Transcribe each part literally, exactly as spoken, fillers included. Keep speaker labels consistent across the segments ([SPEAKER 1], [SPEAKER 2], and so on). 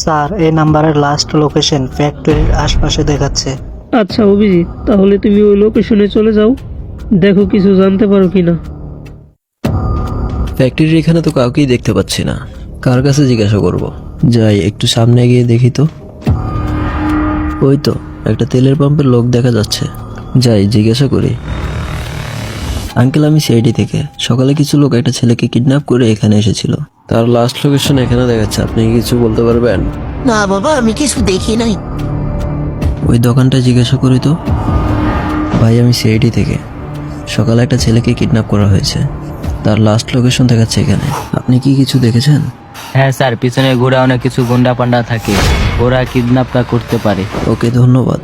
[SPEAKER 1] Sir, এই নাম্বারের last location ফ্যাক্টরির আশপাশে দেখাচ্ছে।
[SPEAKER 2] আচ্ছা অভিজিৎ, তাহলে তুমি ওই লোকেশনে চলে যাও, দেখো কিছু জানতে পারো কিনা।
[SPEAKER 3] ফ্যাক্টরির এখানে তো কাউকেই দেখতে পাচ্ছি না, কার কাছে জিজ্ঞাসা করব? যাই একটু সামনে গিয়ে দেখি তো। ওই তো একটা তেলের পাম্পের লোক দেখা যাচ্ছে, যাই জিজ্ঞাসা করি। আঙ্কেল, আমি সিআইডি থেকে। সকালে কিছু লোক একটা ছেলেকে কিডন্যাপ করে এখানে এসেছিল, তার লাস্ট লোকেশন এখানে দেখাচ্ছে। আপনি কি কিছু বলতে পারবেন?
[SPEAKER 4] না বাবা, আমি কিছু দেখি নাই।
[SPEAKER 3] ওই দোকানটা জিজ্ঞাসা করি তো। ভাই, আমি সিআইডি থেকে। সকালে একটা ছেলেকে কিডন্যাপ করা হয়েছে, তার লাস্ট লোকেশন দেখাচ্ছে এখানে। আপনি কি কিছু দেখেছেন?
[SPEAKER 5] হ্যাঁ স্যার, পিছনে ঘোরা অনেক কিছু গুন্ডা পান্ডা থাকে, ওরা কিডন্যাপটা করতে পারে।
[SPEAKER 3] ওকে, ধন্যবাদ।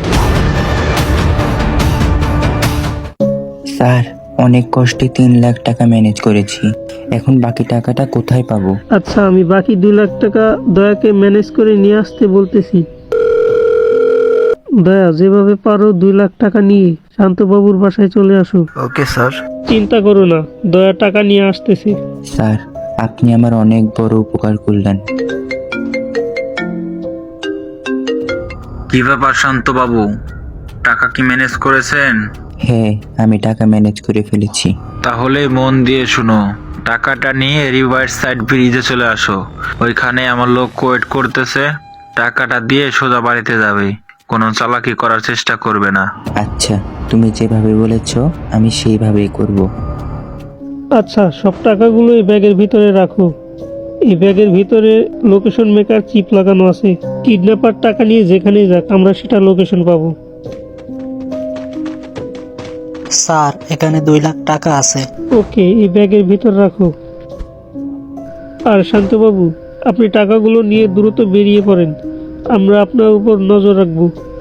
[SPEAKER 6] স্যার, অনেক কষ্টে তিন লাখ টাকা ম্যানেজ করেছি, এখন বাকি টাকাটা কোথায় পাবো?
[SPEAKER 2] আচ্ছা, আমি বাকি দুই লাখ টাকা দয়াকে ম্যানেজ করে নিয়ে আসতে বলতেছি। দয়া, যেভাবে পারো দুই লাখ টাকা নিয়ে শান্তবাবুর বাসায় চলে আসো।
[SPEAKER 3] Okay sir.
[SPEAKER 2] চিন্তা করো না, দয়া টাকা নিয়ে আসতেছি।
[SPEAKER 6] স্যার, আপনি আমার অনেক বড় উপকার করলেন।
[SPEAKER 7] কি ব্যাপার শান্ত বাবু, টাকা কি ম্যানেজ করেছেন?
[SPEAKER 6] হ্যাঁ, আমি টাকা ম্যানেজ করে ফেলেছি।
[SPEAKER 7] তাহলে মন দিয়ে শুনো, টাকাটা নিয়ে রিভার সাইড ব্রিজে চলে আসো। ওইখানে আমার লোক ওয়েট করতেছে, টাকাটা দিয়ে সোজা বাড়িতে যাবে, কোনো চালাকি করার চেষ্টা করবে না।
[SPEAKER 6] আচ্ছা, তুমি যেভাবে বলেছ আমি সেইভাবেই করব।
[SPEAKER 2] আচ্ছা, সব টাকাগুলো এই ব্যাগের ভিতরে রাখো। এই ব্যাগের ভিতরে লোকেশন মেকার চিপ লাগানো আছে। কিডন্যাপার টাকা নিয়ে যেখানেই যাক, আমরা সেটা লোকেশন পাবো।
[SPEAKER 1] স্যার, এখানে দুই লাখ টাকা আছে।
[SPEAKER 2] ওকে, এই ব্যাগের ভিতর রাখো। আর শান্তবাবু, আপনি টাকাগুলো নিয়ে দ্রুত বেরিয়ে পড়েন, আমরা আপনার উপর নজর রাখবো।